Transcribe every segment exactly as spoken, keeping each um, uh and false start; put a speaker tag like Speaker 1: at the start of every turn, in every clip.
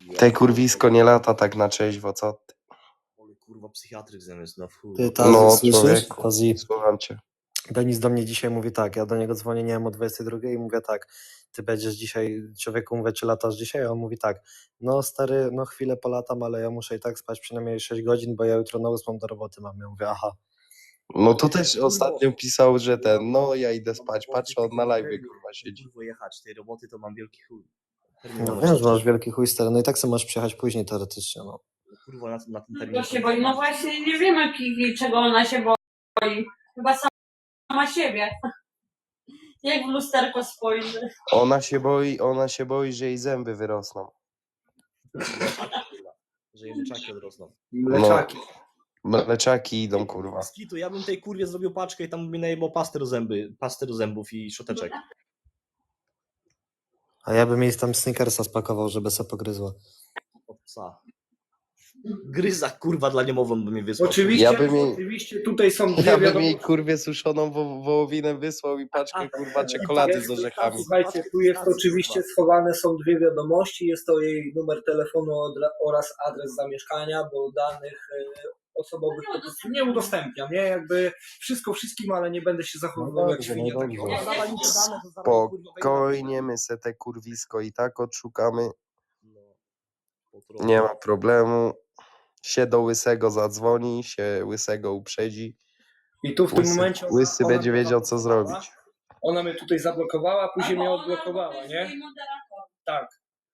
Speaker 1: Te kurwisko nie lata tak na trzeźwo, co ty?
Speaker 2: Ale kurwa psychiatryk zamiast na wchód.
Speaker 3: Ty, Tazi,
Speaker 1: No
Speaker 3: słyszysz?
Speaker 1: człowieku,
Speaker 3: Tazi,
Speaker 1: słucham cię.
Speaker 3: Denis do mnie dzisiaj mówi tak, ja do niego dzwonię, nie wiem, o dwudziestej drugiej i mówię tak, ty będziesz dzisiaj, człowieku mówię, czy latasz dzisiaj? A on mówi tak, no stary, no chwilę polatam, ale ja muszę i tak spać przynajmniej sześć godzin, bo ja jutro na ósmą do roboty mam. Ja mówię, aha.
Speaker 1: No to też ostatnio pisał, że ten, no ja idę spać, patrzę, on na live kurwa siedzi.
Speaker 2: Kurwa jechać, tej roboty to mam wielki chuj.
Speaker 3: No wiem, że masz wielki chuj, stary, no i tak sobie możesz przyjechać później teoretycznie, no.
Speaker 2: Kurwa na, na tym
Speaker 4: Czego
Speaker 2: terminie.
Speaker 4: się boi? No właśnie nie wiemy czego ona się boi. Chyba sama siebie. Jak w lusterko spojrzy.
Speaker 1: Ona się boi, ona się boi, że jej zęby wyrosną.
Speaker 2: Że jej mleczaki odrosną.
Speaker 1: Mleczaki. No, mleczaki idą, kurwa.
Speaker 2: Skitu, ja bym tej kurwie zrobił paczkę i tam by najebał pastę do zęby, pastę do zębów i szoteczek.
Speaker 3: A ja bym jej tam Snickersa spakował, żeby se pogryzła.
Speaker 2: Od psa. Gryza kurwa dla niemowląt by mnie wysłał.
Speaker 5: Oczywiście,
Speaker 1: Ja bym jej-
Speaker 5: oczywiście tutaj są dwie
Speaker 1: Ja bym
Speaker 5: wiadomości.
Speaker 1: jej kurwie suszoną wo wołowinę wysłał i paczkę kurwa czekolady z orzechami.
Speaker 5: Słuchajcie, tu jest oczywiście schowane są dwie wiadomości. Jest to jej numer telefonu odra- oraz adres zamieszkania, bo danych e, osobowych po prostu nie udostępniam, nie? Jakby wszystko wszystkim, ale nie będę się zachowywał
Speaker 3: No
Speaker 5: jak
Speaker 3: dobrze,
Speaker 5: świnia.
Speaker 3: no
Speaker 5: takiego.
Speaker 3: dobrze.
Speaker 2: Dawaj mi te dane, to zaraz, kurwa, wejdę na-
Speaker 1: Spokojnie, my se te kurwisko i tak odszukamy.
Speaker 2: No, po prostu.
Speaker 1: Nie ma problemu. Się do Łysego zadzwoni, się Łysego uprzedzi.
Speaker 5: I tu w tym
Speaker 1: Łysy,
Speaker 5: momencie ona-
Speaker 1: Łysy
Speaker 5: ona
Speaker 1: będzie
Speaker 5: mnie
Speaker 1: wiedział, co
Speaker 5: zablokowała.
Speaker 1: zrobić.
Speaker 5: Ona mnie tutaj zablokowała, później mnie
Speaker 4: Albo ona,
Speaker 5: odblokowała,
Speaker 4: albo to
Speaker 5: nie?
Speaker 4: jest jej moderator.
Speaker 5: Tak.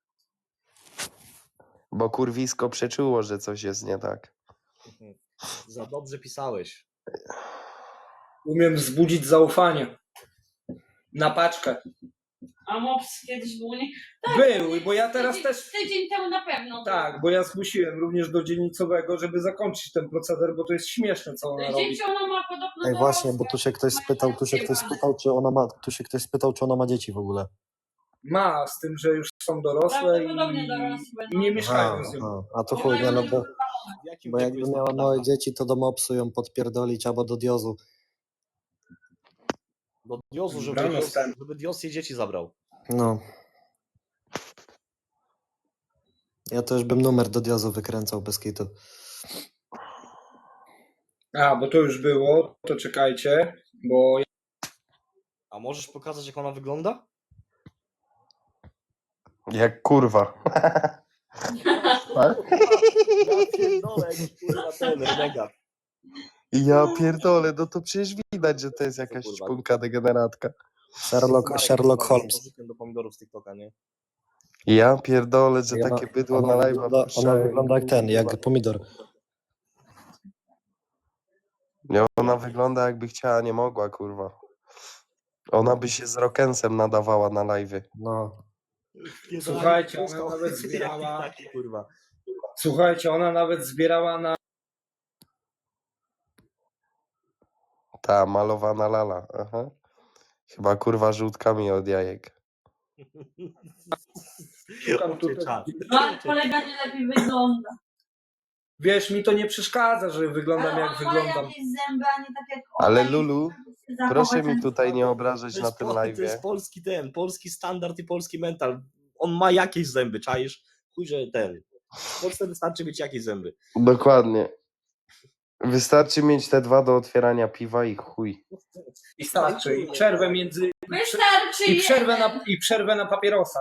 Speaker 1: Bo kurwisko przeczuło, że coś jest nie tak.
Speaker 2: Za dobrze pisałeś.
Speaker 5: Umiem wzbudzić zaufanie. Na paczkę.
Speaker 4: A Mops kiedyś był nie...
Speaker 5: Był, bo ja teraz
Speaker 4: tydzień,
Speaker 5: też...
Speaker 4: Tydzień temu na pewno.
Speaker 5: Tak, bo ja zgłosiłem również do dzielnicowego, żeby zakończyć ten proceder, bo to jest śmieszne, co ona robi.
Speaker 4: Dzieci ona ma podobno
Speaker 3: Ej,
Speaker 4: do
Speaker 3: właśnie, bo
Speaker 4: Rosji.
Speaker 3: tu się ktoś spytał, tu się ktoś spytał, czy ona ma, tu się ktoś spytał, czy ona ma dzieci w ogóle.
Speaker 5: Ma, z tym, że już są dorosłe i,
Speaker 4: Prawdopodobnie dorosłe będą.
Speaker 5: i nie mieszkają
Speaker 3: Aha,
Speaker 5: z nią.
Speaker 3: aha. A to chuj, nie, no bo,
Speaker 2: W jakim
Speaker 3: bo
Speaker 2: wieku
Speaker 3: jakby
Speaker 2: jest
Speaker 3: miała
Speaker 2: ta
Speaker 3: małe
Speaker 2: data?
Speaker 3: dzieci, to do mopsu ją podpierdolić albo do diozu.
Speaker 2: Do Diosu, żeby,
Speaker 5: Brano
Speaker 2: Dios,
Speaker 5: stan.
Speaker 2: żeby Dios jej dzieci zabrał.
Speaker 3: No. Ja też bym numer do diozu wykręcał bez kitu.
Speaker 5: A, bo to już było, to czekajcie, bo
Speaker 2: A możesz pokazać, jak ona wygląda?
Speaker 1: Jak kurwa.
Speaker 2: Ja pierdolę, jaki kurwa ten renegat.
Speaker 1: Ja pierdolę, no to przecież widać, że to jest jakaś
Speaker 2: kurwa?
Speaker 1: szpunka degeneratka.
Speaker 3: Sherlock,
Speaker 2: Marek
Speaker 3: Sherlock
Speaker 2: jest
Speaker 3: Holmes.
Speaker 2: nożykiem do pomidorów z TikToka, nie?
Speaker 1: Ja pierdolę, że
Speaker 3: I ona-
Speaker 1: takie bydło
Speaker 3: ona
Speaker 1: na live
Speaker 3: wygląda, ona wygląda jak ten, jak pomidor.
Speaker 1: Nie, ona wygląda jakby chciała, nie mogła, kurwa. Ona by się z Rockensem nadawała na live.
Speaker 3: No.
Speaker 5: Słuchajcie, ona nawet zbierała-
Speaker 2: Taki, kurwa.
Speaker 5: słuchajcie, ona nawet zbierała na
Speaker 1: Ta malowana lala. Aha. Chyba kurwa żółtkami od jajek.
Speaker 5: Tam tutaj-
Speaker 4: No, kolega nie lepiej wygląda.
Speaker 5: Wiesz, mi to nie przeszkadza, że wyglądam
Speaker 4: Ale
Speaker 5: jak
Speaker 4: on ma
Speaker 5: wyglądam.
Speaker 4: jakieś zęby, a nie tak jak ona
Speaker 1: Ale
Speaker 4: i
Speaker 1: Lulu,
Speaker 4: się zachować
Speaker 1: proszę mi
Speaker 4: ten
Speaker 1: tutaj nie
Speaker 4: sposób.
Speaker 1: obrażać
Speaker 2: To
Speaker 1: na
Speaker 2: jest,
Speaker 1: tym
Speaker 2: po-
Speaker 1: live.
Speaker 2: to jest polski ten, polski standard i polski mental. On ma jakieś zęby, czaisz? Chuj, że ten. W Polsce wystarczy mieć jakieś zęby.
Speaker 1: Dokładnie. Wystarczy mieć te dwa do otwierania piwa i chuj.
Speaker 5: I starczy. I przerwę między...
Speaker 4: Wystarczy
Speaker 5: I przerwę na, i przerwę na papierosa.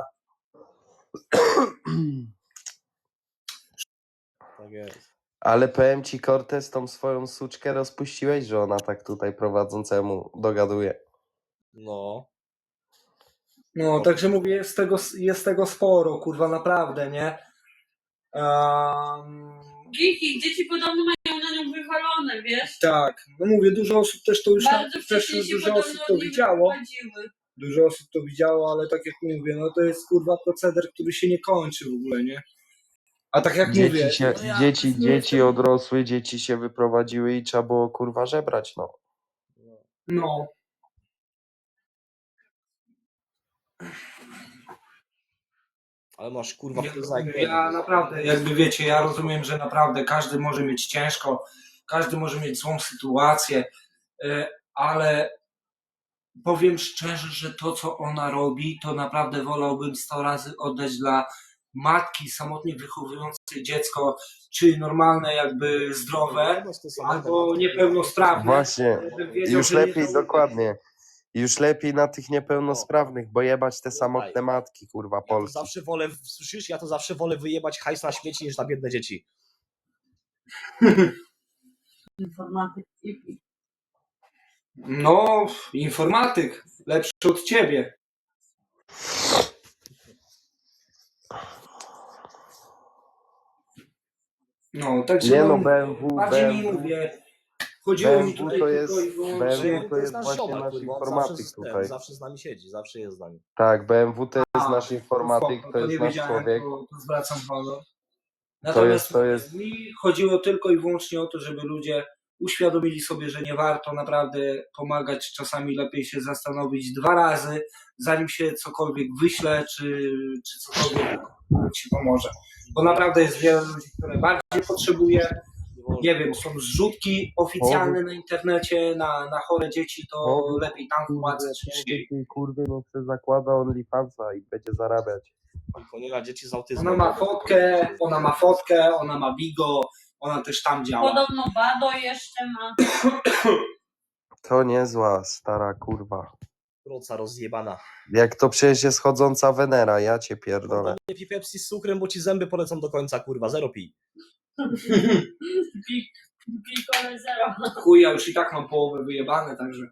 Speaker 2: Tak jest.
Speaker 1: Ale powiem ci, Cortez, tą swoją suczkę rozpuściłeś, że ona tak tutaj prowadzącemu dogaduje.
Speaker 2: No.
Speaker 5: No, także mówię, jest tego, jest tego sporo, kurwa, naprawdę, nie? Um,
Speaker 4: Giki, dzieci podobno mają na nią wywalone, wiesz?
Speaker 5: tak, no mówię, dużo osób też to już,
Speaker 4: Bardzo
Speaker 5: też
Speaker 4: wcześnie się
Speaker 5: dużo
Speaker 4: podobno
Speaker 5: osób to
Speaker 4: od niej
Speaker 5: widziało.
Speaker 4: wyprowadziły.
Speaker 5: Dużo osób to widziało, ale tak jak mówię, no to jest kurwa proceder, który się nie kończy w ogóle, nie? A tak jak mówię,
Speaker 1: Dzieci, się,
Speaker 5: no ja
Speaker 1: dzieci,
Speaker 5: nie
Speaker 1: dzieci
Speaker 5: jestem-
Speaker 1: odrosły, dzieci się wyprowadziły i trzeba było kurwa żebrać, no.
Speaker 5: No.
Speaker 2: Ale masz kurwa
Speaker 5: Ja,
Speaker 2: wpływa jak
Speaker 5: ja naprawdę, jakby wiecie, ja rozumiem, że naprawdę każdy może mieć ciężko, każdy może mieć złą sytuację, y, ale powiem szczerze, że to, co ona robi, to naprawdę wolałbym sto razy oddać dla matki samotnie wychowujące dziecko, czy normalne jakby zdrowe, albo niepełnosprawne.
Speaker 1: Właśnie,
Speaker 5: żebym wiedział,
Speaker 1: już
Speaker 5: że nie
Speaker 1: lepiej,
Speaker 5: żałuję.
Speaker 1: dokładnie. Już lepiej na tych niepełnosprawnych, bo jebać te samotne
Speaker 2: Słuchaj,
Speaker 1: matki, kurwa,
Speaker 2: Ja to
Speaker 1: Polki.
Speaker 2: zawsze wolę, słyszysz, ja to zawsze wolę wyjebać hajs na śmieci niż na biedne dzieci.
Speaker 4: Informatyk.
Speaker 5: No, informatyk, lepszy od ciebie. No, także
Speaker 1: Nie
Speaker 5: no,
Speaker 1: no, B M W,
Speaker 5: bardziej mi
Speaker 1: B M W,
Speaker 5: mówię, chodziło mi
Speaker 1: B M W
Speaker 5: tutaj
Speaker 1: to
Speaker 5: tylko
Speaker 1: jest-
Speaker 5: i wyłącznie...
Speaker 1: B M W
Speaker 2: Że
Speaker 1: to jest
Speaker 2: nasz
Speaker 1: właśnie
Speaker 2: ziomek,
Speaker 1: nasz
Speaker 2: kurwa, on
Speaker 1: informatyk
Speaker 2: zawsze, z- ten,
Speaker 1: tutaj.
Speaker 2: zawsze z nami siedzi, zawsze jest z nami.
Speaker 1: Tak, B M W to jest
Speaker 5: A,
Speaker 1: nasz informatyk,
Speaker 5: spoko,
Speaker 1: to jest
Speaker 5: nie
Speaker 1: nasz
Speaker 5: wiedziałem,
Speaker 1: człowiek.
Speaker 5: To, to zwracam honor. Natomiast
Speaker 1: jest- to jest-
Speaker 5: mi chodziło tylko i wyłącznie o to, żeby ludzie uświadomili sobie, że nie warto naprawdę pomagać. Czasami lepiej się zastanowić dwa razy, zanim się cokolwiek wyśle, czy, czy cokolwiek ci pomoże. Bo naprawdę jest wiele ludzi, które bardziej potrzebuje. Nie wiem, są zrzutki oficjalne na internecie na, na chore dzieci, to
Speaker 1: Powiedz,
Speaker 5: lepiej tam wpłacać niż jej.
Speaker 1: Tej kurwy, no se zakłada OnlyFansa i będzie zarabiać.
Speaker 2: Kolega dzieci z autyzmem.
Speaker 5: Ona ma fotkę, ona ma fotkę, ona ma bigo, ona też tam działa.
Speaker 4: Podobno Bado jeszcze ma.
Speaker 1: To niezła stara kurwa.
Speaker 2: Proca rozjebana.
Speaker 1: Jak to przecież jest chodząca Wenera, ja cię pierdolę.
Speaker 2: Nie pij Pepsi z cukrem, bo ci zęby polecą do końca, kurwa, zero pij.
Speaker 4: Pi- Pikole zero.
Speaker 5: Chuj, ja już i tak mam połowę wyjebane, także...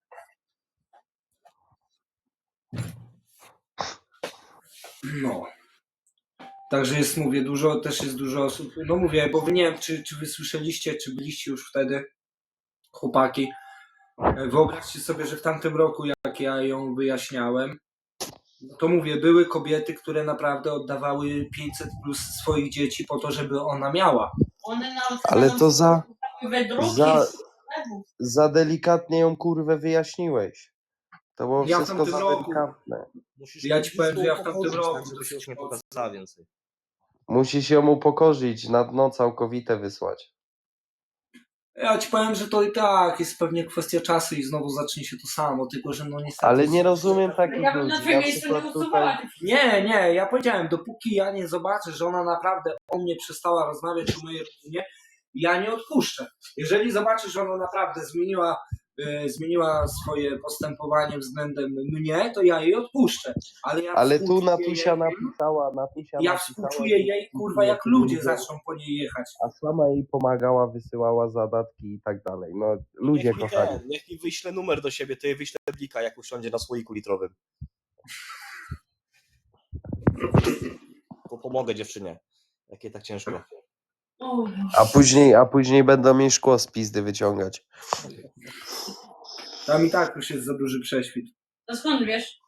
Speaker 5: No. Także jest, mówię, dużo, też jest dużo osób. No mówię, bo wy nie wiem, czy, czy wy słyszeliście, czy byliście już wtedy, chłopaki. E, Wyobraźcie sobie, że w tamtym roku, jak ja ją wyjaśniałem, no to mówię, były kobiety, które naprawdę oddawały pięćset plus swoich dzieci po to, żeby ona miała.
Speaker 4: One nawet
Speaker 1: Ale to za,
Speaker 4: wydruki
Speaker 1: za-
Speaker 4: z sklepów.
Speaker 1: za delikatnie ją kurwę wyjaśniłeś. To było
Speaker 5: Ja w
Speaker 1: wszystko
Speaker 5: tamtym
Speaker 1: za
Speaker 5: roku-
Speaker 1: delikatne.
Speaker 2: Musisz
Speaker 5: Ja ci powiem, że ja w
Speaker 2: blisko
Speaker 5: tamtym
Speaker 2: upokorzyć,
Speaker 5: roku
Speaker 2: tak, żeby się już nie
Speaker 5: dosyć
Speaker 2: pokazała więcej.
Speaker 1: Musisz ją upokorzyć, na dno całkowite wysłać.
Speaker 5: Ja ci powiem, że to i tak jest pewnie kwestia czasu i znowu zacznie się to samo, tylko że no niestety...
Speaker 1: Ale nie rozumiem takich
Speaker 4: Ja bym
Speaker 1: ludzi.
Speaker 4: na twoim
Speaker 1: Na
Speaker 4: miejscu nie
Speaker 1: przykład
Speaker 4: usuwała
Speaker 1: tutaj...
Speaker 4: tych
Speaker 5: Nie, nie, ja powiedziałem, dopóki ja nie zobaczę, że ona naprawdę o mnie przestała rozmawiać o mojej rodzinie, ja nie odpuszczę. Jeżeli zobaczę, że ona naprawdę zmieniła, e, zmieniła swoje postępowanie względem mnie, to ja jej odpuszczę. Ale, ja
Speaker 1: Ale tu
Speaker 5: współczuję
Speaker 1: Natusia
Speaker 5: jej,
Speaker 1: napisała, Natusia
Speaker 5: ja
Speaker 1: napisała,
Speaker 5: współczuję jej, kurwa, jak ludzie zaczną po niej jechać.
Speaker 1: a sama jej pomagała, wysyłała zadatki i tak dalej. No, ludzie
Speaker 2: niech mi,
Speaker 1: kochani.
Speaker 2: ten, niech mi wyśle numer do siebie, to jej wyślę blika, jak usiądzie na słoiku litrowym. To pomogę dziewczynie. Jakie tak ciężko.
Speaker 4: O,
Speaker 1: A później, a później będą mi szkło z pizdy wyciągać.
Speaker 5: Tam i tak już jest za duży prześwit.
Speaker 4: to skąd wiesz?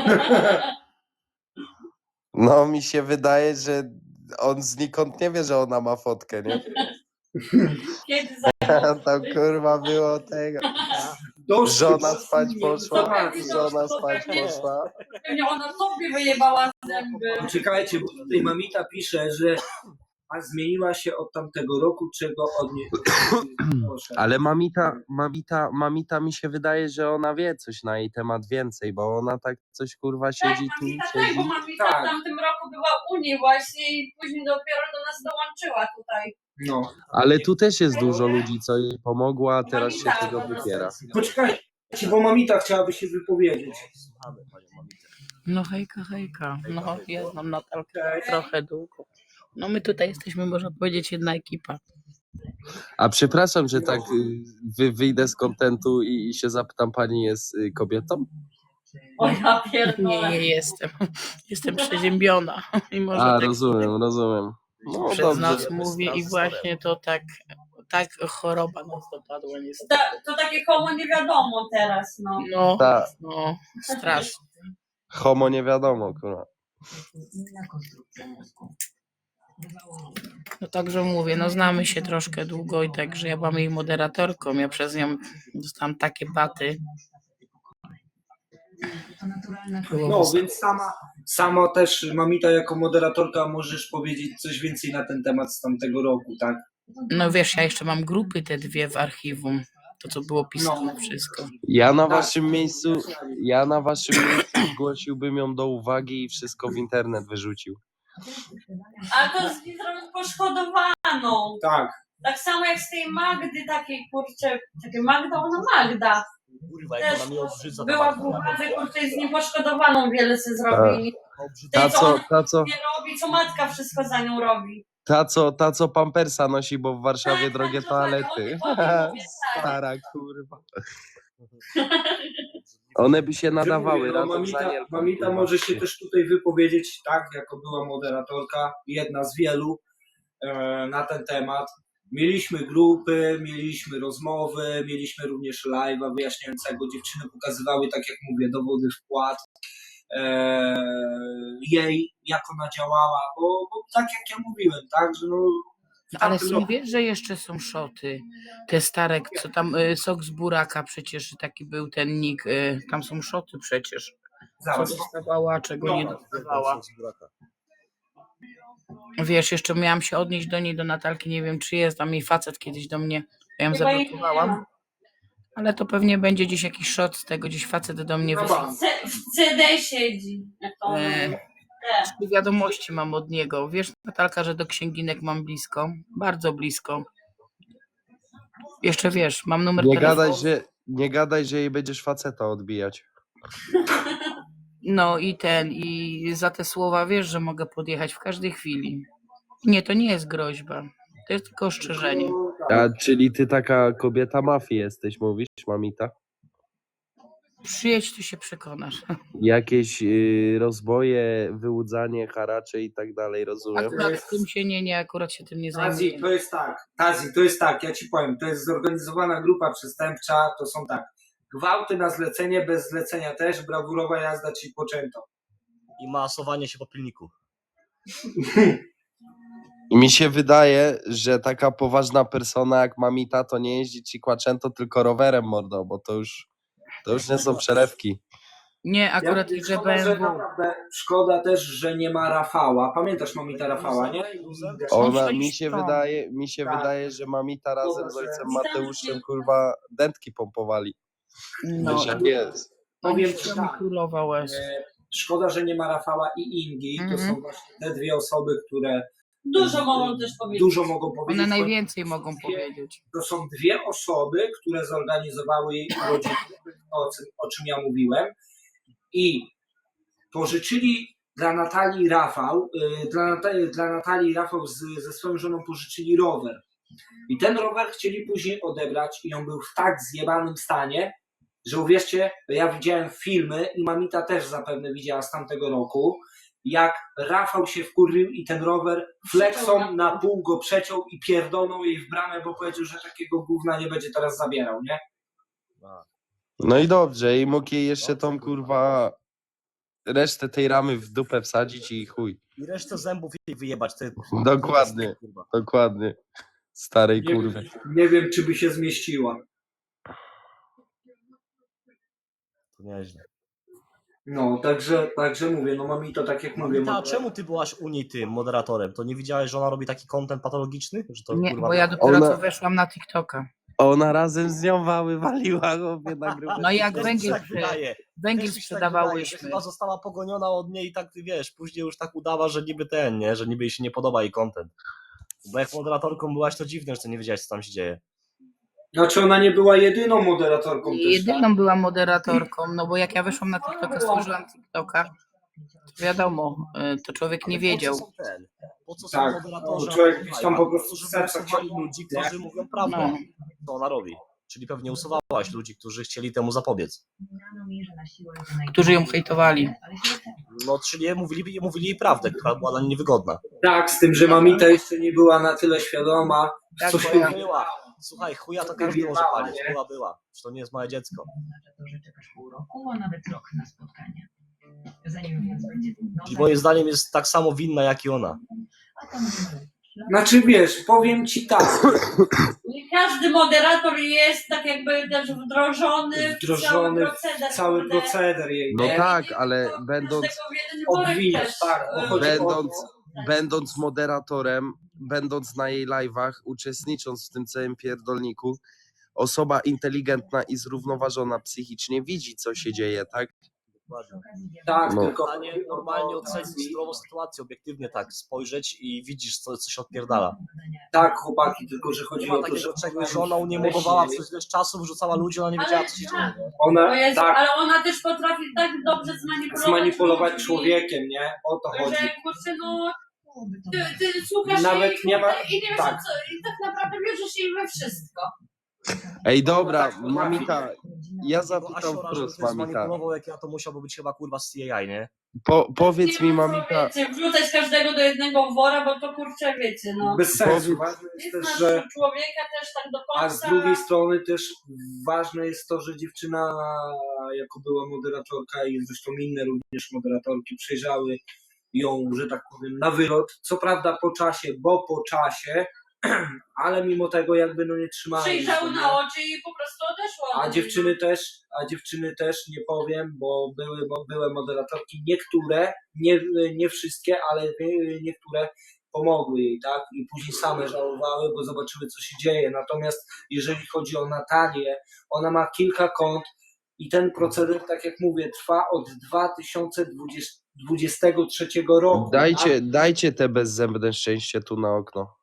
Speaker 1: No mi się wydaje, że on znikąd nie wie, że ona ma fotkę, nie?
Speaker 4: Kiedy
Speaker 1: Tam kurwa było tego.
Speaker 5: Dość
Speaker 1: Żona
Speaker 5: tych
Speaker 1: spać poszła,
Speaker 5: informacji.
Speaker 1: żona spać poszła.
Speaker 4: Pewnie ona sobie wyjebała zęby.
Speaker 5: Czekajcie, bo tutaj mamita pisze, że a zmieniła się od tamtego roku, czego od niej proszę.
Speaker 1: Ale mamita, mamita, mamita mi się wydaje, że ona wie coś na jej temat więcej, bo ona tak coś kurwa
Speaker 4: Tak,
Speaker 1: siedzi tu,
Speaker 4: mamita tak,
Speaker 1: siedzi.
Speaker 4: bo mamita
Speaker 5: Tak.
Speaker 4: w tamtym roku była w Unii właśnie i później dopiero do nas dołączyła tutaj.
Speaker 5: No.
Speaker 1: Ale tu też jest dużo ludzi, co jej pomogło, a teraz się
Speaker 4: Mamita,
Speaker 1: tego
Speaker 4: po prostu.
Speaker 1: wypiera.
Speaker 5: Poczekajcie, bo mamita chciałaby się wypowiedzieć.
Speaker 2: Słuchamy panią Mamitę.
Speaker 6: No hejka, hejka. No, ja znam Natalkę
Speaker 5: Cześć.
Speaker 6: trochę długo. No my tutaj jesteśmy, można powiedzieć, jedna ekipa.
Speaker 1: A przepraszam, że tak y, wy, wyjdę z kontentu i, i się zapytam, pani jest y, kobietą?
Speaker 4: O ja
Speaker 6: Nie,
Speaker 4: pierdolę.
Speaker 6: nie jestem. Jestem przeziębiona. I może
Speaker 1: A,
Speaker 6: tak
Speaker 1: rozumiem, rozumiem. No
Speaker 6: przez
Speaker 1: dobrze.
Speaker 6: nas mówi i właśnie to tak, tak choroba nas dopadła niestety.
Speaker 4: Ta, to takie koło nie wiadomo teraz, no.
Speaker 6: No,
Speaker 1: Tak.
Speaker 6: no, strasznie.
Speaker 1: Homo nie wiadomo, kurwa.
Speaker 6: No także mówię, no znamy się troszkę długo i także ja byłam jej moderatorką. Ja przez nią dostałam takie baty. Było
Speaker 5: No,
Speaker 6: wysoko.
Speaker 5: więc sama, sama też mamita jako moderatorka możesz powiedzieć coś więcej na ten temat z tamtego roku, tak?
Speaker 6: No wiesz, ja jeszcze mam grupy te dwie w archiwum. To co było pisane wszystko.
Speaker 1: Ja na
Speaker 5: Tak.
Speaker 1: waszym miejscu, ja na waszym miejscu zgłosiłbym ją do uwagi i wszystko w internet wyrzucił.
Speaker 4: Ale to z nim zrobił poszkodowaną.
Speaker 5: Tak.
Speaker 4: Tak samo jak z tej Magdy takiej, kurczę, takie Magda, ona Magda.
Speaker 2: Kurwa, jak
Speaker 4: Też
Speaker 2: ona mnie obrzydza. ta
Speaker 4: była w
Speaker 2: Magda.
Speaker 4: uwadze, kurczę, z nim poszkodowaną wiele se zrobili.
Speaker 2: Obrzydza.
Speaker 1: Ta
Speaker 4: Tej, co
Speaker 1: co,
Speaker 4: ona
Speaker 1: ta co,
Speaker 4: nie robi, co matka wszystko za nią robi.
Speaker 1: ta co, ta co pampersa nosi, bo w Warszawie
Speaker 4: Tak,
Speaker 1: drogie
Speaker 4: tak, dokładnie,
Speaker 1: toalety.
Speaker 4: o tym- o tym mówię, tak.
Speaker 1: Stara kurwa. One by się nadawały
Speaker 5: Mówię, no,
Speaker 1: razem z
Speaker 5: mamita,
Speaker 1: Anielką.
Speaker 5: mamita
Speaker 1: kurwa.
Speaker 5: może się też tutaj wypowiedzieć, tak, jako była moderatorka, jedna z wielu e, na ten temat. Mieliśmy grupy, mieliśmy rozmowy, mieliśmy również live'a wyjaśniającego. Dziewczyny pokazywały, tak jak mówię, dowody wpłat e, jej, jak ona działała, bo, bo tak jak ja mówiłem, tak, że no, w
Speaker 6: No, ale
Speaker 5: tamtym
Speaker 6: są,
Speaker 5: roku-
Speaker 6: wiesz, że jeszcze są szoty. Te stare, co tam, y, sok z buraka przecież taki był ten nick. Y, tam są szoty przecież. Co
Speaker 5: Zaraz.
Speaker 6: dostawała, czego
Speaker 5: No,
Speaker 6: nie dostawała. Wiesz, jeszcze miałam się odnieść do niej, do Natalki, nie wiem czy jest, tam jej facet kiedyś do mnie, ja ją
Speaker 4: Chyba jej nie
Speaker 6: zablokowałam.
Speaker 4: ma.
Speaker 6: Ale to pewnie będzie gdzieś jakiś shot z tego, gdzieś facet do mnie
Speaker 5: No
Speaker 6: wysłał.
Speaker 5: ba.
Speaker 4: C- w C D siedzi. Jak to ona
Speaker 6: E,
Speaker 4: mówi. Te.
Speaker 6: Trzy wiadomości mam od niego. Wiesz, Natalka, że do księginek mam blisko, bardzo blisko. Jeszcze wiesz, mam numer
Speaker 1: Nie
Speaker 6: telefonu.
Speaker 1: gadaj, że, nie gadaj, że jej będziesz faceta odbijać.
Speaker 6: No i ten, i za te słowa wiesz, że mogę podjechać w każdej chwili. Nie, to nie jest groźba. To jest tylko ostrzeżenie.
Speaker 1: A, czyli ty taka kobieta mafii jesteś, mówisz, mamita?
Speaker 6: Przyjedź, tu się przekonasz.
Speaker 1: Jakieś y, rozboje, wyłudzanie, haracze i tak dalej, rozumiem?
Speaker 6: Akurat tym się nie, nie, akurat się tym nie
Speaker 5: Tazi,
Speaker 6: zajmuję.
Speaker 5: to jest tak, Tazi, to jest tak, ja ci powiem, to jest zorganizowana grupa przestępcza, to są tak, gwałty na zlecenie, bez zlecenia też, brawurowa jazda, czyli poczęto.
Speaker 2: I masowanie się po pilniku.
Speaker 1: I mi się wydaje, że taka poważna persona jak mamita to nie jeździ ci kłaczęto, tylko rowerem, mordo, bo to już, to już nie są przelewki.
Speaker 6: Nie, akurat
Speaker 5: Ja-
Speaker 6: jeżdżę
Speaker 5: szkoda, że
Speaker 6: B M W.
Speaker 5: naprawdę, szkoda też, że nie ma Rafała. Pamiętasz mamita Rafała, nie?
Speaker 1: Ona,
Speaker 6: coś
Speaker 1: mi się
Speaker 6: tam.
Speaker 1: wydaje, mi się
Speaker 5: Tak.
Speaker 1: wydaje, że mamita razem z
Speaker 5: Zobacz,
Speaker 1: ojcem
Speaker 4: że-
Speaker 1: Mateuszem, kurwa, dętki pompowali.
Speaker 6: No,
Speaker 1: Wiesz jak jest.
Speaker 5: Powiem
Speaker 6: to
Speaker 5: ci
Speaker 6: mi
Speaker 5: tak,
Speaker 6: królowa łez.
Speaker 5: e, szkoda, że nie ma Rafała i Ingi. To
Speaker 6: Mhm.
Speaker 5: są właśnie te dwie osoby, które
Speaker 4: Dużo mogą też powiedzieć.
Speaker 5: dużo mogą powiedzieć.
Speaker 6: One najwięcej mogą powiedzieć.
Speaker 5: To są dwie osoby, które zorganizowały jej urodziny, o, czym- o czym ja mówiłem. I pożyczyli dla Natalii Rafał, y, dla, Natalii, dla Natalii Rafał z, ze swoją żoną pożyczyli rower. I ten rower chcieli później odebrać i on był w tak zjebanym stanie, że uwierzcie, ja widziałem filmy i mamita też zapewne widziała z tamtego roku, jak Rafał się wkurwił i ten rower flexą na pół go przeciął i pierdolnął jej w bramę, bo powiedział, że takiego gówna nie będzie teraz zabierał, nie?
Speaker 1: No i dobrze, i mógł jej jeszcze tą, kurwa, resztę tej ramy w dupę wsadzić i chuj.
Speaker 2: I resztę zębów jej wyjebać. Ty,
Speaker 1: Dokładnie.
Speaker 2: kurwa.
Speaker 1: Dokładnie. Starej
Speaker 5: Nie,
Speaker 1: kurwy.
Speaker 5: nie wiem, czy by się zmieściła.
Speaker 2: To nieźle.
Speaker 5: No, także, także mówię, no mamito, tak jak mówię.
Speaker 2: Mamita, a
Speaker 5: ma-
Speaker 2: czemu ty byłaś u niej tym moderatorem? To nie widziałeś, że ona robi taki content patologiczny? Że to,
Speaker 6: Nie,
Speaker 2: kurwa,
Speaker 6: bo ja dopiero
Speaker 1: Ona-
Speaker 6: co weszłam na TikToka.
Speaker 1: Ona razem z nią wały waliła, chłopie, na grubę.
Speaker 6: No i jak
Speaker 2: Też
Speaker 6: węgiel,
Speaker 2: mi się tak wydaje.
Speaker 6: węgiel
Speaker 2: Też mi się tak wydaje, że
Speaker 6: sprzedawałyśmy.
Speaker 2: chyba została pogoniona od niej i tak, ty wiesz, później już tak udawa, że niby ten, nie? Że niby jej się nie podoba jej content. Bo jak moderatorką byłaś, to dziwne, że ty nie wiedziałeś, co tam się dzieje.
Speaker 5: Znaczy ona nie była jedyną moderatorką też, tak?
Speaker 6: Jedyną byłam moderatorką, no bo jak ja weszłam na TikToka, stworzyłam TikToka, to wiadomo, y, to człowiek nie
Speaker 2: Ale po co
Speaker 6: wiedział.
Speaker 2: są ten? Po co są
Speaker 5: Tak,
Speaker 2: moderatorzy?
Speaker 5: bo człowiek
Speaker 2: na
Speaker 5: gdzieś tam po prostu
Speaker 2: Żeby
Speaker 5: serca
Speaker 2: usuwali
Speaker 5: chciał-
Speaker 2: ludzi, którzy mówią prawdę,
Speaker 6: No.
Speaker 2: co ona robi. Czyli pewnie usuwałaś ludzi, którzy chcieli temu zapobiec.
Speaker 6: Którzy ją hejtowali.
Speaker 2: No, czyli mówili, mówili jej prawdę, która była dla niej niewygodna.
Speaker 5: Tak, z tym, że mamita jeszcze nie była na tyle świadoma,
Speaker 6: Tak,
Speaker 5: co
Speaker 6: bo
Speaker 5: się...
Speaker 6: ja-
Speaker 2: Była. Słuchaj, chuja to każdy może palić. Była, była. Że to nie jest małe dziecko.
Speaker 7: Oznacza to, że czekasz pół roku, a nawet rok na spotkanie. Zanim więc będzie trudno,
Speaker 2: I moim zdaniem jest tak samo winna, jak i ona.
Speaker 7: a to może
Speaker 5: Znaczy wiesz, powiem ci tak,
Speaker 4: I każdy moderator jest tak jakby też wdrożony,
Speaker 5: Wdrożony
Speaker 4: w cały proceder.
Speaker 5: w cały
Speaker 4: kurde.
Speaker 5: proceder jej,
Speaker 1: No
Speaker 5: nie?
Speaker 1: tak, ale
Speaker 4: To
Speaker 1: będąc,
Speaker 4: każdego w jeden worek
Speaker 5: Obwiniać,
Speaker 4: też,
Speaker 5: tak, bo
Speaker 4: y,
Speaker 5: chodzi o-
Speaker 1: będąc, będąc moderatorem, będąc na jej live'ach, uczestnicząc w tym całym pierdolniku, osoba inteligentna i zrównoważona psychicznie widzi, co się dzieje, tak?
Speaker 2: Dokładnie.
Speaker 5: Tak,
Speaker 1: No.
Speaker 5: tylko
Speaker 2: Normalnie, normalnie ocenić zdrową sytuację, obiektywnie tak, spojrzeć i widzisz, co, co się odpierdala.
Speaker 5: tak, chłopaki, tylko że
Speaker 2: Nie
Speaker 5: chodzi
Speaker 2: ma
Speaker 5: o to, że
Speaker 2: takiego czegoś, że ona uniemodowała przez ileś czasu, wrzucała ludzi, ona nie wiedziała,
Speaker 4: Ale
Speaker 2: co się
Speaker 4: tak.
Speaker 2: dzieje. nie?
Speaker 4: O
Speaker 5: ona
Speaker 4: Jezu,
Speaker 5: tak
Speaker 4: ale ona też potrafi tak dobrze zmanipulować,
Speaker 5: zmanipulować
Speaker 4: ludzi,
Speaker 5: człowiekiem, nie? O to chodzi.
Speaker 4: że kurczę, no ty, ty słuchasz
Speaker 5: Nawet
Speaker 4: jej
Speaker 5: nie ma-
Speaker 4: kurde, i nie wiesz
Speaker 5: tak.
Speaker 4: o co, i tak naprawdę wierzysz jej we wszystko.
Speaker 1: Ej, dobra,
Speaker 5: tak potrafi.
Speaker 1: mamita, ja
Speaker 2: Tego
Speaker 1: zapytam
Speaker 2: Asiora, żeby
Speaker 1: wprost,
Speaker 2: ktoś
Speaker 1: mamita.
Speaker 2: zmanipulował, jak ja, to musiałby być chyba kurwa z C I A, nie?
Speaker 1: Po, powiedz
Speaker 4: nie
Speaker 1: mi,
Speaker 4: ma co,
Speaker 1: mamita,
Speaker 4: wiecie, wrzucać każdego do jednego wora, bo to kurczę, wiecie, no.
Speaker 5: Bez sensu.
Speaker 1: Powiedz-
Speaker 5: Ważne
Speaker 4: Nie
Speaker 5: jest też,
Speaker 4: znasz
Speaker 5: że
Speaker 4: człowieka też tak do końca.
Speaker 5: a z drugiej strony też ważne jest to, że dziewczyna jako była moderatorka i zresztą inne również moderatorki przejrzały ją, że tak powiem, na wylot. Co prawda po czasie, bo po czasie, ale mimo tego jakby no nie trzymały.
Speaker 4: Przyjrzały
Speaker 5: się,
Speaker 4: na
Speaker 5: nie?
Speaker 4: oczy i po prostu odeszło.
Speaker 5: A dziewczyny też, a dziewczyny też nie powiem, bo były, bo były moderatorki, niektóre, nie, nie wszystkie, ale niektóre pomogły jej, tak? I później same żałowały, bo zobaczyły, co się dzieje. Natomiast jeżeli chodzi o Natalię, ona ma kilka kont i ten proceder, tak jak mówię, trwa od dwa tysiące dwudziestego trzeciego roku.
Speaker 1: dajcie,
Speaker 5: Tak?
Speaker 1: dajcie te bezzębne szczęście tu na okno.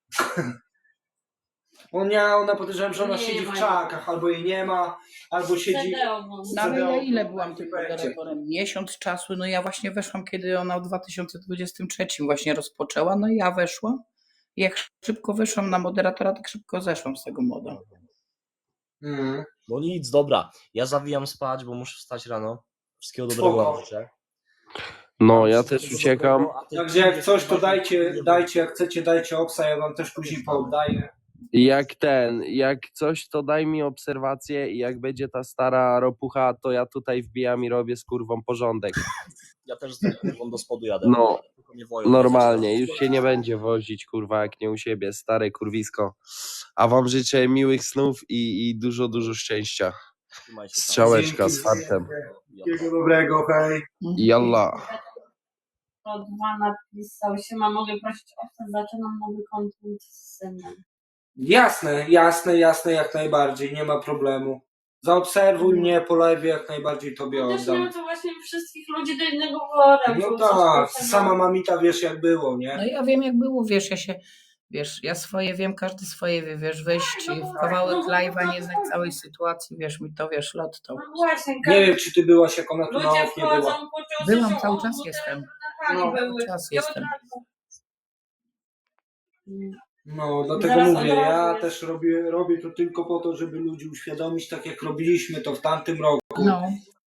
Speaker 5: Ona, ona podejrzewam, że ona
Speaker 4: Nie
Speaker 5: siedzi w
Speaker 4: ma.
Speaker 5: krzakach, albo jej nie ma, albo siedzi...
Speaker 4: C D oglądam.
Speaker 6: No ale ja ile byłam
Speaker 5: w
Speaker 6: tym
Speaker 5: projekcie.
Speaker 6: moderatorem? Miesiąc czasu, no ja właśnie weszłam, kiedy ona w dwa tysiące dwudziestym trzecim właśnie rozpoczęła, no i ja weszłam. Jak szybko weszłam na moderatora, tak szybko zeszłam z tego moda.
Speaker 5: Mm.
Speaker 2: No nic, dobra. Ja zawijam spać, bo muszę wstać rano. Wszystkiego
Speaker 5: Spoko.
Speaker 2: dobrego wam życzę.
Speaker 1: No, ja
Speaker 2: Wszystkiego
Speaker 1: też uciekam.
Speaker 2: dobrego, a ty-
Speaker 5: Także jak coś, to dajcie, dajcie, jak chcecie, dajcie obsa, ja wam też później pooddaję.
Speaker 1: Jak ten, jak coś, to daj mi obserwację i jak będzie ta stara ropucha, to ja tutaj wbijam i robię z kurwą porządek.
Speaker 2: Ja też z tym kurwą do spodu jadę.
Speaker 1: No,
Speaker 2: Tylko mnie woją.
Speaker 1: normalnie, już się nie będzie wozić, kurwa, jak nie u siebie, stare kurwisko. A wam życzę miłych snów i, i dużo, dużo szczęścia.
Speaker 2: Trzymaj się tam.
Speaker 1: Strzałeczka z
Speaker 5: Dzięki,
Speaker 1: fartem.
Speaker 5: Wszystkiego dobrego, hej.
Speaker 1: Jalla.
Speaker 4: To dwa napisał się, ma mogę prosić o to, zaczynam nowy kontent z synem.
Speaker 5: Jasne, jasne, jasne, jak najbardziej, nie ma problemu. Zaobserwuj mnie po live, jak najbardziej tobie
Speaker 4: No też nie
Speaker 5: oddam.
Speaker 4: wiem, to właśnie wszystkich ludzi do jednego wora.
Speaker 5: No
Speaker 4: wrzucać,
Speaker 5: tak,
Speaker 4: kurczę, no.
Speaker 5: sama mamita wiesz jak było,
Speaker 6: No
Speaker 5: nie?
Speaker 6: ja wiem jak było, wiesz, ja się, wiesz, ja swoje wiem, każdy swoje wie, wiesz, wejść
Speaker 4: No bo-
Speaker 6: w kawałek
Speaker 4: no bo-
Speaker 6: live'a, nie znać całej sytuacji, wiesz, mi to, wiesz, lot to.
Speaker 4: No właśnie,
Speaker 5: Nie wiem, czy ty byłaś, jak ona tu na
Speaker 4: ludzie
Speaker 5: oknie była.
Speaker 4: wchodzą, poczuł
Speaker 6: Byłam,
Speaker 4: że
Speaker 6: cały
Speaker 4: o,
Speaker 6: czas
Speaker 4: bo
Speaker 6: jestem.
Speaker 4: teraz
Speaker 5: No,
Speaker 4: były.
Speaker 6: cały czas
Speaker 4: I od
Speaker 6: jestem.
Speaker 4: razu-
Speaker 5: No, dlatego
Speaker 4: Zaraz
Speaker 5: mówię,
Speaker 4: od razu
Speaker 5: ja
Speaker 4: jest.
Speaker 5: też robię, robię to tylko po to, żeby ludzi uświadomić, tak jak robiliśmy to w tamtym roku.
Speaker 6: No,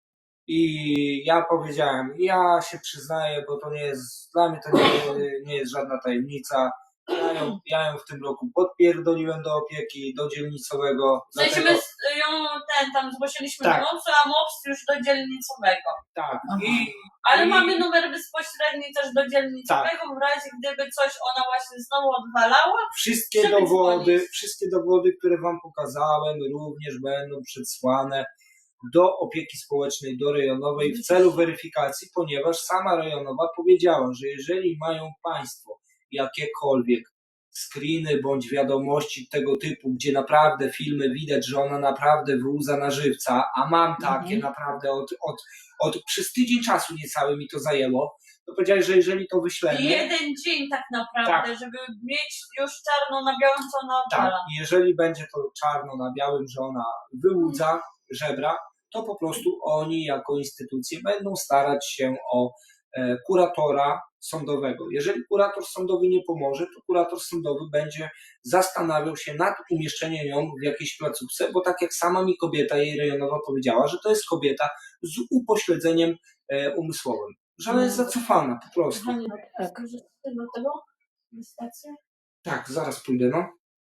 Speaker 5: I ja powiedziałem, ja się przyznaję, bo to nie jest, dla mnie to nie, nie jest żadna tajemnica. Ja ją, ja ją w tym roku podpierdoliłem do opieki, do dzielnicowego.
Speaker 4: W sensie
Speaker 5: Dlatego,
Speaker 4: my ją ten tam zgłosiliśmy
Speaker 5: Tak.
Speaker 4: do mopsu, a mops już do dzielnicowego.
Speaker 5: tak.
Speaker 6: Aha.
Speaker 5: I,
Speaker 4: Ale
Speaker 5: I-
Speaker 4: mamy numer bezpośredni też do dzielnicowego, w razie gdyby coś ona właśnie znowu odwalała.
Speaker 5: wszystkie
Speaker 4: Żeby
Speaker 5: dowody,
Speaker 4: dzwonić.
Speaker 5: wszystkie dowody, które wam pokazałem, również będą przesłane do opieki społecznej, do rejonowej w celu weryfikacji, ponieważ sama rejonowa powiedziała, że jeżeli mają państwo jakiekolwiek screeny bądź wiadomości tego typu, gdzie naprawdę filmy widać, że ona naprawdę wyłudza na żywca, a mam takie
Speaker 6: Mhm.
Speaker 5: naprawdę od, od, od przez tydzień czasu niecały mi to zajęło, to powiedziałeś, że jeżeli to wyślemy,
Speaker 4: Jeden dzień tak naprawdę, żeby mieć już czarno na białym, co ona
Speaker 5: tak,
Speaker 4: odwala.
Speaker 5: jeżeli będzie to czarno na białym, że ona wyłudza żebra, to po prostu oni jako instytucje będą starać się o e, kuratora sądowego. Jeżeli kurator sądowy nie pomoże, to kurator sądowy będzie zastanawiał się nad umieszczeniem ją w jakiejś placówce, bo tak jak sama mi kobieta, jej rejonowa powiedziała, że to jest kobieta z upośledzeniem e, umysłowym, że ona jest zacofana po prostu.
Speaker 4: Kochani,
Speaker 6: tak.
Speaker 4: skorzystacie do tego? Na stację?
Speaker 5: Tak, zaraz pójdę, no.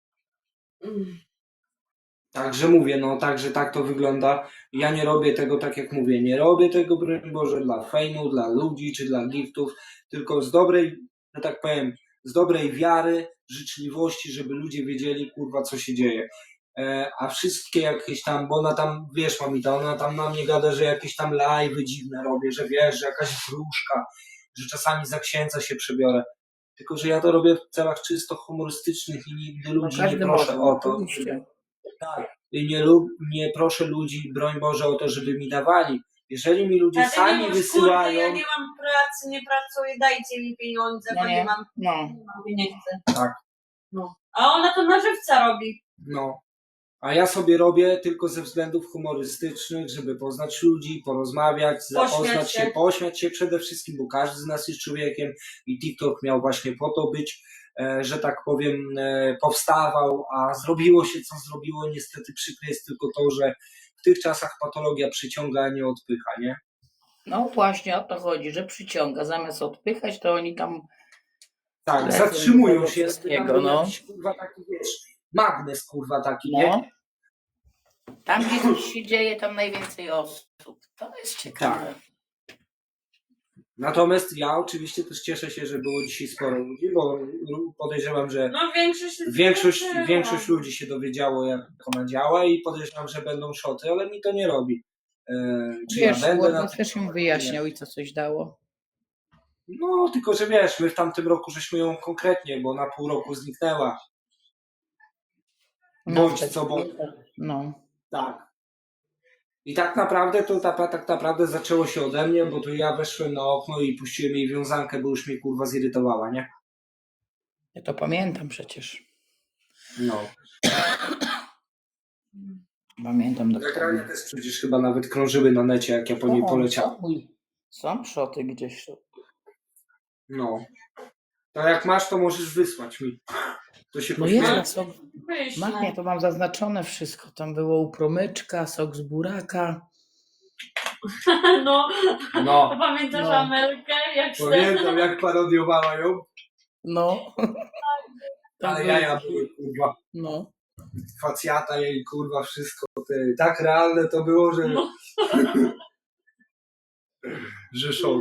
Speaker 4: Mm.
Speaker 5: Także mówię, no także tak to wygląda. Ja nie robię tego, tak jak mówię, nie robię tego, broń Boże, dla fejmu, dla ludzi czy dla giftów, tylko z dobrej, że tak powiem, z dobrej wiary, życzliwości, żeby ludzie wiedzieli, kurwa, co się dzieje. E, a wszystkie jakieś tam, bo ona tam, wiesz, mamita, ona tam na mnie gada, że jakieś tam live'y dziwne robię, że wiesz, że jakaś wróżka, że czasami za księdza się przebiorę. Tylko, że ja to robię w celach czysto humorystycznych i nigdy
Speaker 6: no
Speaker 5: ludzi nie
Speaker 6: każdy
Speaker 5: proszę
Speaker 6: może,
Speaker 5: o to.
Speaker 6: oczywiście.
Speaker 5: Tak. I nie, lub, nie proszę ludzi, broń Boże, o to, żeby mi dawali Jeżeli mi ludzie
Speaker 4: A ty nie
Speaker 5: sami
Speaker 4: mów,
Speaker 5: wysyłają...
Speaker 4: Kurde, ja nie mam pracy, nie pracuję, dajcie mi pieniądze,
Speaker 6: No
Speaker 4: bo
Speaker 6: nie.
Speaker 4: nie mam,
Speaker 6: No.
Speaker 4: mówię, nie chcę.
Speaker 5: Tak.
Speaker 4: No. A ona to na żywca robi.
Speaker 5: No. A ja sobie robię tylko ze względów humorystycznych, żeby poznać ludzi, porozmawiać, zapoznać się,
Speaker 4: się.
Speaker 5: pośmiać się przede wszystkim, bo każdy z nas jest człowiekiem i TikTok miał właśnie po to być, e, że tak powiem, e, powstawał, a zrobiło się co zrobiło. Niestety przykre jest tylko to, że w tych czasach patologia przyciąga, a nie odpycha, nie?
Speaker 6: No właśnie o to chodzi, że przyciąga. Zamiast odpychać, to oni tam
Speaker 5: Tak,
Speaker 6: lecą
Speaker 5: zatrzymują
Speaker 6: do tego
Speaker 5: się,
Speaker 6: wszystkiego,
Speaker 5: tam
Speaker 6: no.
Speaker 5: jakiś, kurwa, taki, wiesz, magnes, kurwa, taki, nie?
Speaker 6: No. Tam, gdzie coś się dzieje, tam najwięcej osób. To jest ciekawe.
Speaker 5: Natomiast ja oczywiście też cieszę się, że było dzisiaj sporo ludzi, bo podejrzewam, że
Speaker 4: No większość jest
Speaker 5: większość,
Speaker 4: zobaczyła.
Speaker 5: większość ludzi się dowiedziało, jak ona działa i podejrzewam, że będą szoty, ale mi to nie robi. E, czy
Speaker 6: Wiesz,
Speaker 5: ja będę na
Speaker 6: Warden też im wyjaśniał i co coś dało.
Speaker 5: No, tylko że wiesz, my w tamtym roku żeśmy ją konkretnie, bo na pół roku zniknęła. Bądź
Speaker 6: tak,
Speaker 5: co bądź.
Speaker 6: No.
Speaker 5: Tak. I tak naprawdę to ta, tak naprawdę zaczęło się ode mnie, bo to ja weszłem na okno i puściłem jej wiązankę, bo już mnie kurwa zirytowała, nie?
Speaker 6: Ja to pamiętam przecież.
Speaker 5: No.
Speaker 6: Pamiętam
Speaker 5: Nagrania
Speaker 6: dokładnie.
Speaker 5: też przecież chyba nawet krążyły na necie, jak ja po niej
Speaker 6: O,
Speaker 5: poleciałem.
Speaker 6: są, są szoty gdzieś.
Speaker 5: No. To jak masz, to możesz wysłać mi. To się
Speaker 6: No jest
Speaker 5: pośmieję.
Speaker 6: na sok.
Speaker 4: Wyślę.
Speaker 6: Machnie, to mam zaznaczone wszystko. Tam było u promyczka, sok z buraka.
Speaker 4: No,
Speaker 5: No.
Speaker 4: pamiętasz
Speaker 6: No.
Speaker 4: Amelkę? Jak se...
Speaker 5: Pamiętam, jak parodiowała ją,
Speaker 6: No. Tam
Speaker 5: ale
Speaker 6: było-
Speaker 5: jaja były, kurwa.
Speaker 6: No.
Speaker 5: Facjata jej, kurwa, wszystko. Te, tak realne to było, że...
Speaker 4: No.
Speaker 5: że szok.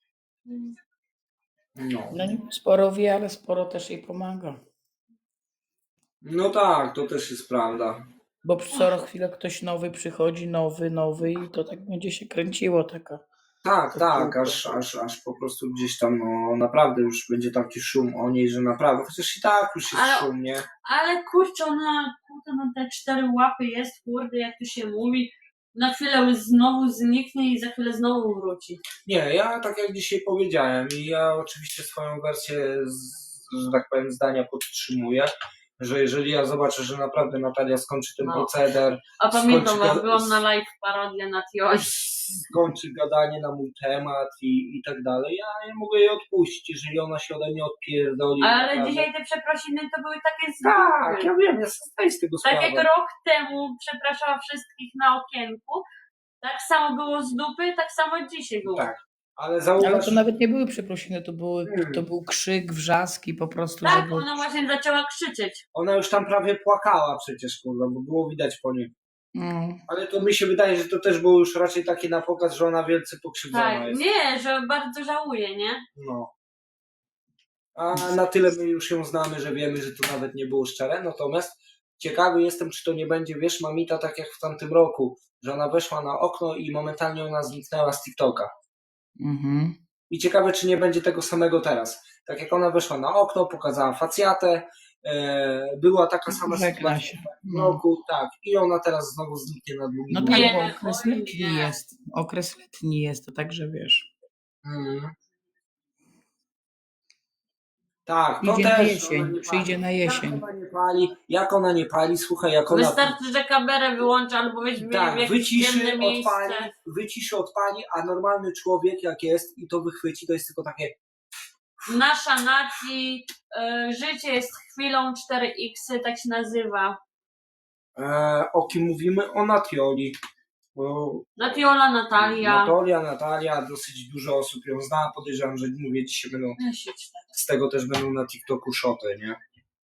Speaker 5: No.
Speaker 6: No nie sporo wie, ale sporo też jej pomaga.
Speaker 5: No tak, to też jest prawda.
Speaker 6: Bo co chwilę ktoś nowy przychodzi, nowy, nowy i to tak będzie się kręciło taka.
Speaker 5: Tak,
Speaker 6: To
Speaker 5: tak,
Speaker 6: kółko.
Speaker 5: aż, aż, aż po prostu gdzieś tam, no naprawdę już będzie taki szum o niej, że naprawdę, chociaż i tak już jest
Speaker 4: Ale-
Speaker 5: szum, nie?
Speaker 4: Ale kurczę, ona kurde, na te cztery łapy jest, kurde, jak to się mówi. Na chwilę znowu zniknie i za chwilę znowu wróci.
Speaker 5: Nie, ja tak jak dzisiaj powiedziałem i ja oczywiście swoją wersję, z, że tak powiem, zdania podtrzymuję, że jeżeli ja zobaczę, że naprawdę Natalia skończy ten
Speaker 4: No.
Speaker 5: proceder,
Speaker 4: A pamiętam,
Speaker 5: Skończy
Speaker 4: jak
Speaker 5: go-
Speaker 4: byłam na live parodię na Tioś.
Speaker 5: skończy gadanie na mój temat i, i tak dalej, ja nie mogę jej odpuścić, jeżeli ona się ode mnie odpierdoli.
Speaker 4: Ale
Speaker 5: naprawdę.
Speaker 4: dzisiaj te przeprosiny to były takie
Speaker 5: Tak,
Speaker 4: zwykłe.
Speaker 5: ja wiem, ja sobie zdaję z tego
Speaker 4: Tak
Speaker 5: sprawę.
Speaker 4: jak rok temu przepraszała wszystkich na okienku, tak samo było z dupy, tak samo dzisiaj było.
Speaker 5: Tak. Ale zauważ,
Speaker 6: Ale to nawet nie były przeprosiny, to, były,
Speaker 5: Hmm.
Speaker 6: to był krzyk, wrzaski po prostu.
Speaker 4: Tak,
Speaker 6: żeby...
Speaker 4: ona właśnie zaczęła krzyczeć.
Speaker 5: ona już tam prawie płakała przecież, kurwa, bo było widać po niej.
Speaker 6: Mm.
Speaker 5: Ale to mi się wydaje, że to też było już raczej takie na pokaz, że ona wielce pokrzywdzona
Speaker 4: Tak,
Speaker 5: jest.
Speaker 4: nie, że bardzo żałuje, nie?
Speaker 5: No. A na tyle my już ją znamy, że wiemy, że to nawet nie było szczere. Natomiast ciekawy jestem, czy to nie będzie, wiesz, mamita tak jak w tamtym roku, że ona weszła na okno i momentalnie ona zniknęła z TikToka.
Speaker 6: Mhm.
Speaker 5: I ciekawe, czy nie będzie tego samego teraz. Tak jak ona weszła na okno, pokazała facjatę, e, była taka sama
Speaker 6: Żegna
Speaker 5: sytuacja
Speaker 6: się.
Speaker 5: w tym
Speaker 6: No.
Speaker 5: roku, tak. I ona teraz znowu zniknie na długi
Speaker 6: No
Speaker 5: długi.
Speaker 6: tak,
Speaker 4: Nie,
Speaker 6: bo okres
Speaker 4: oj,
Speaker 6: letni
Speaker 4: nie.
Speaker 6: jest. Okres letni jest, to także wiesz.
Speaker 5: Mm. Tak, to
Speaker 6: Przyjdzie na
Speaker 5: też.
Speaker 6: jesień,
Speaker 5: ona nie
Speaker 6: przyjdzie
Speaker 5: pali.
Speaker 6: na jesień.
Speaker 5: Jak ona nie pali, jak ona nie pali, słuchaj, jak ona...
Speaker 4: Wystarczy, że kamerę wyłączy albo weźmie w
Speaker 5: Tak,
Speaker 4: jakieś
Speaker 5: wyciszy,
Speaker 4: ciemne miejsce.
Speaker 5: odpali, wyciszy, odpali, a normalny człowiek jak jest i to wychwyci, to jest tylko takie...
Speaker 4: Nasza nacji, y, życie jest chwilą cztery iks, tak się nazywa.
Speaker 5: E, o kim mówimy? O Natioli. Bo
Speaker 4: Natiola, Natalia.
Speaker 5: Natalia, Natalia, dosyć dużo osób ją zna, podejrzewam, że mówię, dzisiaj będą, z tego też będą na TikToku szoty, nie?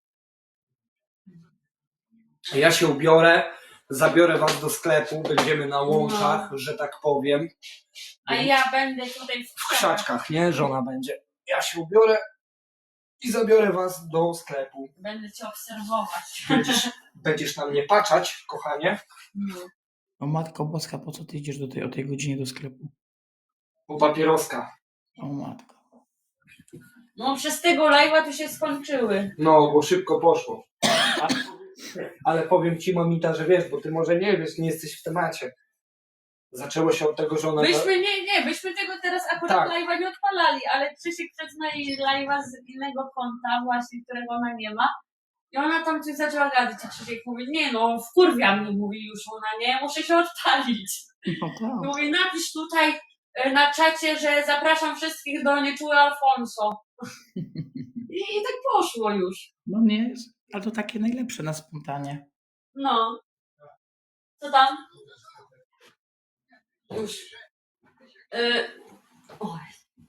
Speaker 5: Ja się ubiorę, zabiorę was do sklepu, będziemy na łączach, że tak powiem.
Speaker 4: A ja będę tutaj w
Speaker 5: W krzaczkach, nie? Żona będzie. Ja się ubiorę i zabiorę was do sklepu.
Speaker 4: Będę cię obserwować.
Speaker 5: Będziesz, będziesz na mnie patrzeć, kochanie,
Speaker 6: O Matko Boska, po co ty idziesz do tej, o tej godzinie do sklepu?
Speaker 5: bo papieroska.
Speaker 6: O Matko.
Speaker 4: No przez tego live'a to się skończyły.
Speaker 5: No, bo szybko poszło. Ale powiem ci, mamita, że wiesz, bo ty może nie wiesz, nie jesteś w temacie. Zaczęło się od tego, że ona...
Speaker 4: Byśmy nie, nie, byśmy tego teraz akurat
Speaker 5: Tak.
Speaker 4: live'a nie odpalali, ale Krzysiek przecina jej live'a z innego konta właśnie, którego ona nie ma. I ona tam coś zaczęła gadać, a Krzysiek mówi, nie no, wkurwia mnie, mówi już ona, nie, muszę się odpalić.
Speaker 6: No tak.
Speaker 4: Mówi, napisz tutaj e, na czacie, że zapraszam wszystkich do Nieczuły Alfonso. I, I tak poszło już.
Speaker 6: No nie, ale to takie najlepsze na spontanie.
Speaker 4: No. Co tam? Już. Y... Oj.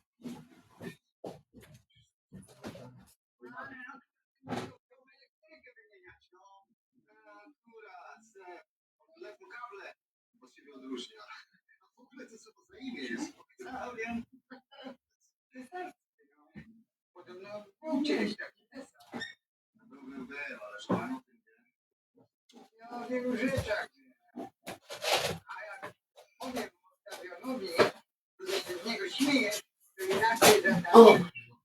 Speaker 4: O.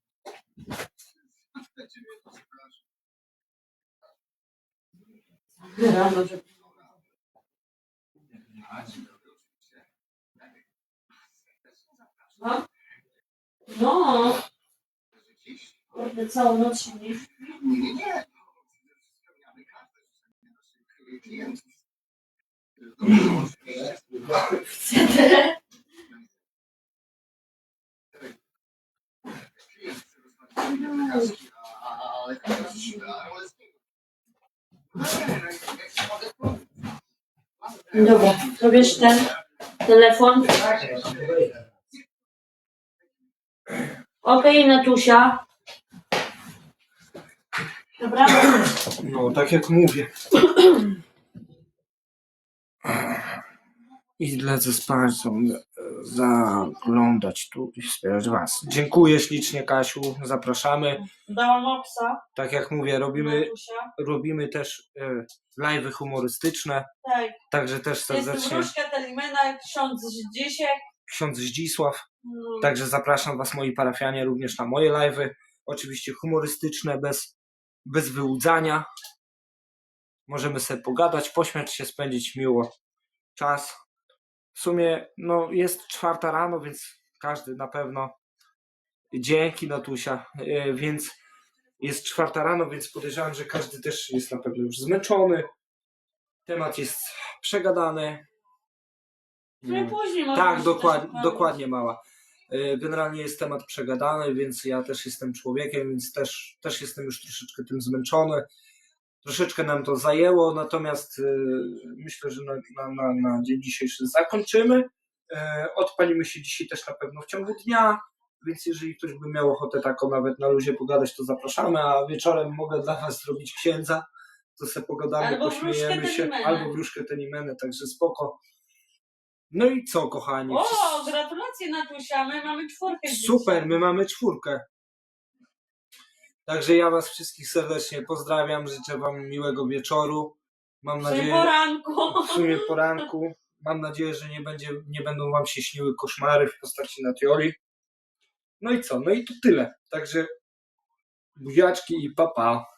Speaker 4: Rano, że... No. No. Kurde, całą noc się nie chcę. Dobra, to bierz ten telefon. Okej, Natusia. Dobra?
Speaker 5: No, tak jak mówię. I lecę z Państwem zaglądać tu i wspierać Was. Dziękuję ślicznie, Kasiu, zapraszamy.
Speaker 4: Dałam obsa.
Speaker 5: Tak jak mówię, robimy,
Speaker 4: Natusia.
Speaker 5: robimy też e, live'y humorystyczne,
Speaker 4: Tak.
Speaker 5: także też
Speaker 4: Jestem
Speaker 5: serdecznie
Speaker 4: Wróżka Telimena, ksiądz Zdzisiek.
Speaker 5: ksiądz Zdzisław.
Speaker 4: No.
Speaker 5: Także zapraszam Was, moi parafianie, również na moje live'y. Oczywiście humorystyczne, bez, bez wyłudzania. Możemy sobie pogadać, pośmiać się, spędzić miło czas. W sumie no, jest czwarta rano, więc każdy na pewno. Dzięki, Natusia. Yy, więc jest czwarta rano, więc podejrzewam, że każdy też jest na pewno już zmęczony. Temat jest przegadany.
Speaker 4: No i później może
Speaker 5: Tak,
Speaker 4: być
Speaker 5: dokładnie,
Speaker 4: też
Speaker 5: dokładnie mała. Yy, Generalnie jest temat przegadany, więc ja też jestem człowiekiem, więc też, też jestem już troszeczkę tym zmęczony. Troszeczkę nam to zajęło, natomiast yy, myślę, że na, na, na, na dzień dzisiejszy zakończymy. Yy, odpalimy się dzisiaj też na pewno w ciągu dnia, więc jeżeli ktoś by miał ochotę taką nawet na luzie pogadać, to zapraszamy, a wieczorem mogę dla Was zrobić księdza, to sobie pogadamy,
Speaker 4: Albo
Speaker 5: pośmiejemy
Speaker 4: wróżkę
Speaker 5: się,
Speaker 4: Telimenę.
Speaker 5: albo wróżkę Telimenę, także spoko. No i co, kochani?
Speaker 4: O, gratulacje, Natusia, my mamy czwórkę.
Speaker 5: Super,
Speaker 4: dzisiaj.
Speaker 5: my mamy czwórkę. Także ja Was wszystkich serdecznie pozdrawiam, życzę Wam miłego wieczoru. Mam
Speaker 4: W sumie
Speaker 5: nadzieję,
Speaker 4: poranku.
Speaker 5: w sumie poranku. Mam nadzieję, że nie, będzie, nie będą Wam się śniły koszmary w postaci Natioli. No i co? No i to tyle. Także buziaczki i pa pa.